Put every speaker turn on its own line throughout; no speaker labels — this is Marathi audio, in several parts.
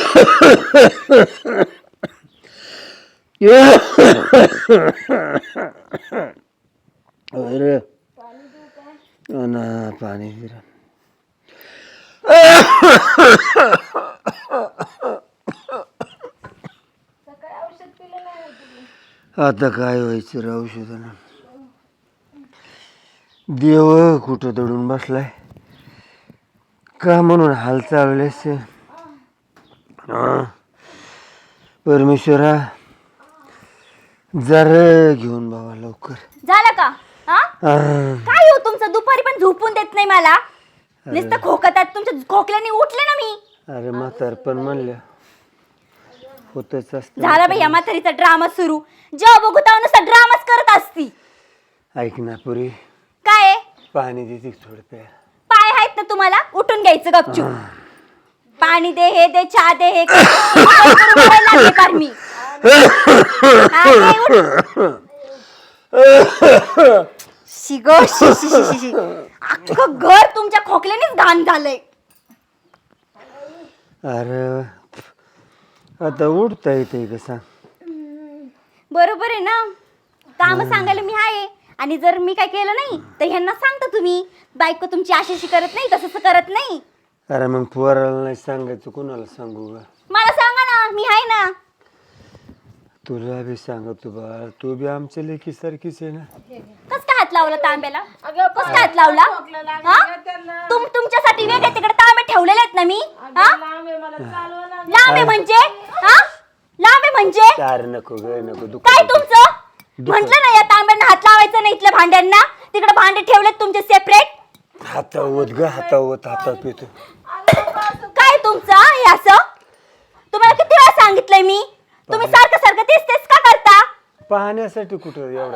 अरे ना पाणी फिर आता काय व्हायचं रे औषधानं. देव कुठं दडून बसलाय का म्हणून हाल चालवलेस. परमेश्वरा जरा घेऊन बाबा लवकर.
झालं का? काय हो तुमचं दुपारी पण झोपून देत नाही मला. नुसतं खोकतात, तुमच्या खोकल्याने उठले ना मी.
अरे म्हातार पण म्हणलं होतच असतं.
झाला बाई या म्हातारीचा ड्रामा सुरू. जेव्हा बघू तेव्हा नुसता ड्रामाच करत असती.
ऐक ना पुरी,
काय
पाणी देते थोडं प्या.
पाय आहेत ना तुम्हाला, उठून घ्यायचं गपचूप. पाणी दे, हे दे, चहा दे, हे लागले पार मी. शिगो शी अख्खं घर तुमच्या खोकल्यानेच घाण झालंय.
अरे आता उठता येते का सांग.
बरोबर आहे ना, काम सांगायला मी आहे. आणि जर मी काय केलं नाही तर ह्यांना सांगता तुम्ही बायको तुमची अशी करत नाही, तसं करत नाही.
अरे मग पोराला नाही सांगायचं, कोणाला सांगू ग.
मला सांगा ना, मी आहे ना.
तुला बी सांगतो बाळ, तू बी आमच्या लेकी सारखीच आहे ना.
कस काय हात लावला तांब्याला? कस काय हात लावला? तुमच्यासाठी वेगळे तिकडे तांबे ठेवलेले आहेत ना मी. लांबे म्हणजे लांबे म्हणजे
अरे नको ग नको.
काय तुमचं? म्हंटल ना या तांब्यांना हात लावायचं नाही, इथल्या भांड्यांना. तिकडे भांडे ठेवलेत तुमचे सेपरेट.
हातावत ग हातावत हातात पितो.
काय तुमचं हे असं? तुम्हाला किती वेळा सांगितलंय मी, तुम्ही सारखं सारखं तेच तेच का करता?
पाहण्यासाठी कुठं एवढा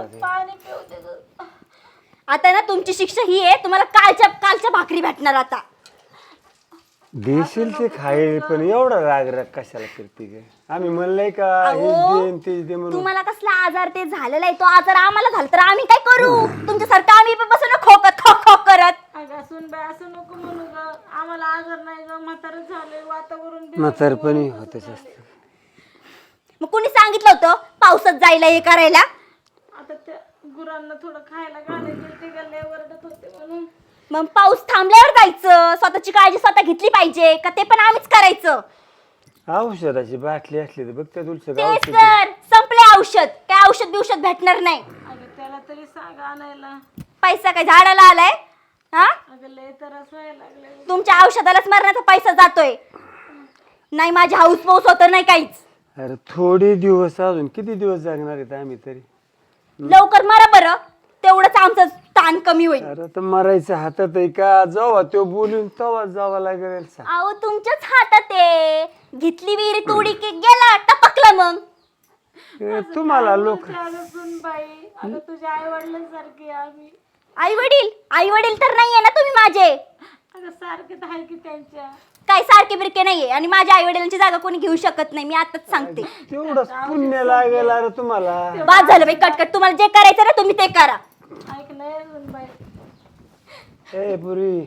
आता ना तुमची शिक्षा ही आहे, तुम्हाला कालच्या भाकरी भेटणार आता.
देशील ते खाईल, पण एवढा राग राग कशाला करते ग. आम्ही म्हणलंय का हेच दे म्हणून.
तुम्हाला कसला आजार ते झालेला आहे, तो आजार आम्हाला झाला तर आम्ही काय करू? तुमच्यासारखं आम्ही पण बसून खोकत खोक करत.
असं नको म्हणू ग, आम्हाला आजार नाही ग, म्हातारं झालंय, वातावरण
म्हातारपणी होतच असतं.
मग कुणी सांगितलं होतं पावसात जायला हे करायला?
आता त्या गुरांना थोडं खायला घालायचे, ते गल्ले ओरडत होते म्हणून.
मग पाऊस थांबल्यावर जायचं. स्वतःची काळजी स्वतः घेतली पाहिजे का ते पण आम्हीच करायचं?
औषधाची बाटली असली तर बघ त्या तुलचं
तेच तर संपले औषध. काय औषध बिवषध भेटणार नाही.
अगं त्याला तरी सांग आणायला.
पैसा काय झाडाला आलाय?
अगं लय त्रास व्हायला लागले.
तुमच्या औषधालाच मरण्याचा पैसा जातोय. नाही माझी हाऊस पाऊस होत नाही काहीच.
अरे थोडे दिवस, अजून किती दिवस जगणार आहेत आम्ही तरी.
लवकर मरा बरं, तेवढंच आमचं ताण कमी होईल.
अरे तर मरायचं हातात आहे का? जावा तो बोलून तवा जावा लागेल.
अहो तुमच्याच हातात आहे. घेतली विहिरी तोडी की गेला टपकलं. मग
तुम्हाला लोक
बाई, अगं तुझ्या आई वडिलांसारखे आम्ही.
आई वडील तर नाहीये ना तुम्ही माझे.
अगं सारखे तर आहे की त्यांच्या.
काय सारखे बिरके नाहीये, आणि माझ्या आई वडिलांची जागा कोणी घेऊ शकत नाही. मी आताच सांगते.
तेवढंच पुण्य लागेल अरे तुम्हाला.
बाद झालं बाई कटकट. तुम्हाला जे करायचं ना तुम्ही ते करा.
ऐक नाही बाई.
ए पुरी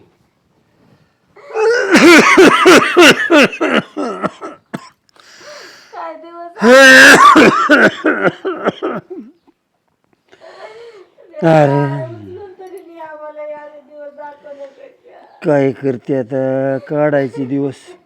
काय दिवस
अरे
तरी मी आम्हाला या दिवस दाखवण्यापेक्षा.
काय करते आता, काढायचे दिवस.